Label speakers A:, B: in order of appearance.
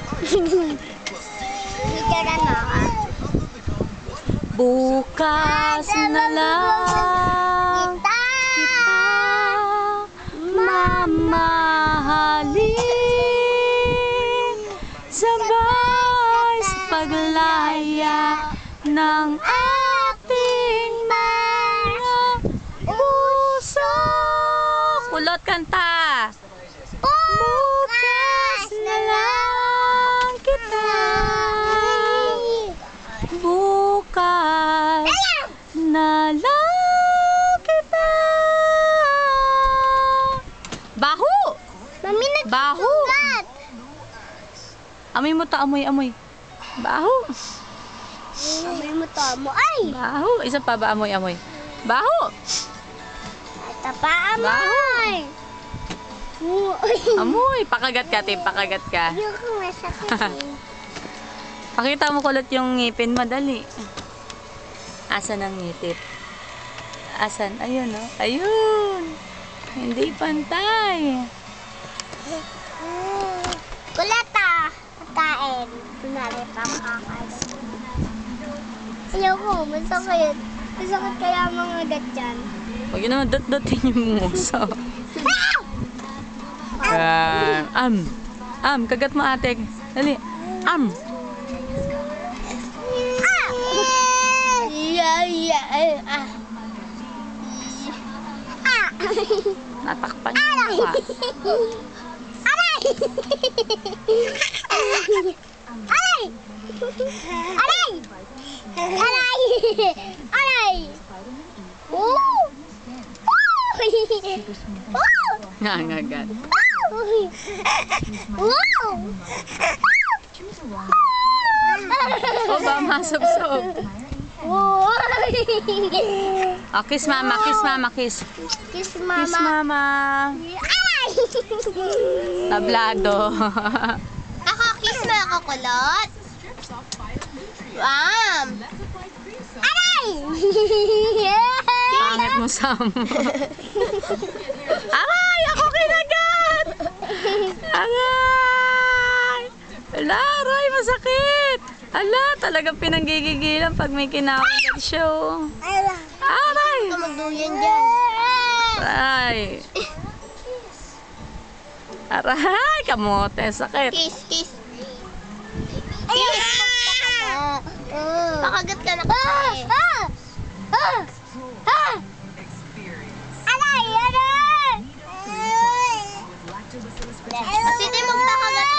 A: Bukas na lang kita mamahalin, sabay sa paglaya ng ating mga puso. Kulot kanta. Bukas na lang kita. Bukas na lang kita. Baho!
B: Mami,
A: Baho!
B: nagsugat.
A: Amoy mo to, amoy. Baho!
B: Amoy mo to mo. Ay!
A: Baho! Isa pa ba amoy? Baho!
B: Ito pa, amoy!
A: Amoy! Pakagat ka, Tim. Pakagat ka.
B: Ayoko masakit.
A: Pakita mo kulot yung ngipin mo, dali. Asan ang ngipin? Asan? Ayun, oh. Ayun! Hindi pantay.
B: Kulata! Pagkain. Kunwari pa kakain. Ayoko, masakit. Masakit kaya mga gatyan.
A: Huwag yun naman dot-dotin yung muso. Kagat mo, ate. Dali. Natakpan yung mukha.
B: Aray! Aray! Aray! Aray! Aray! Woo!
A: Nangagat.
B: Wow!
A: O ba, masubsob. Kiss mama, kiss mama, kiss.
B: Kiss
A: Kiss
B: mama.
A: mama.
B: Aray!
A: Tablado.
B: Ako, kiss mo ako, kulot. Aray!
A: Pangit mo, Sam. Aray! Ako kinagat! Aray! Ala, aray, masakit! Ala, talagang pinanggigigilan pag may kinakagat show. Aray!
B: Magduyan dyan.
A: Aray! Aray! Kamote, sakit.
B: Kiss, kiss. Kiss! Nakagat ka na kasi. Aray! Aray! Kasi di mo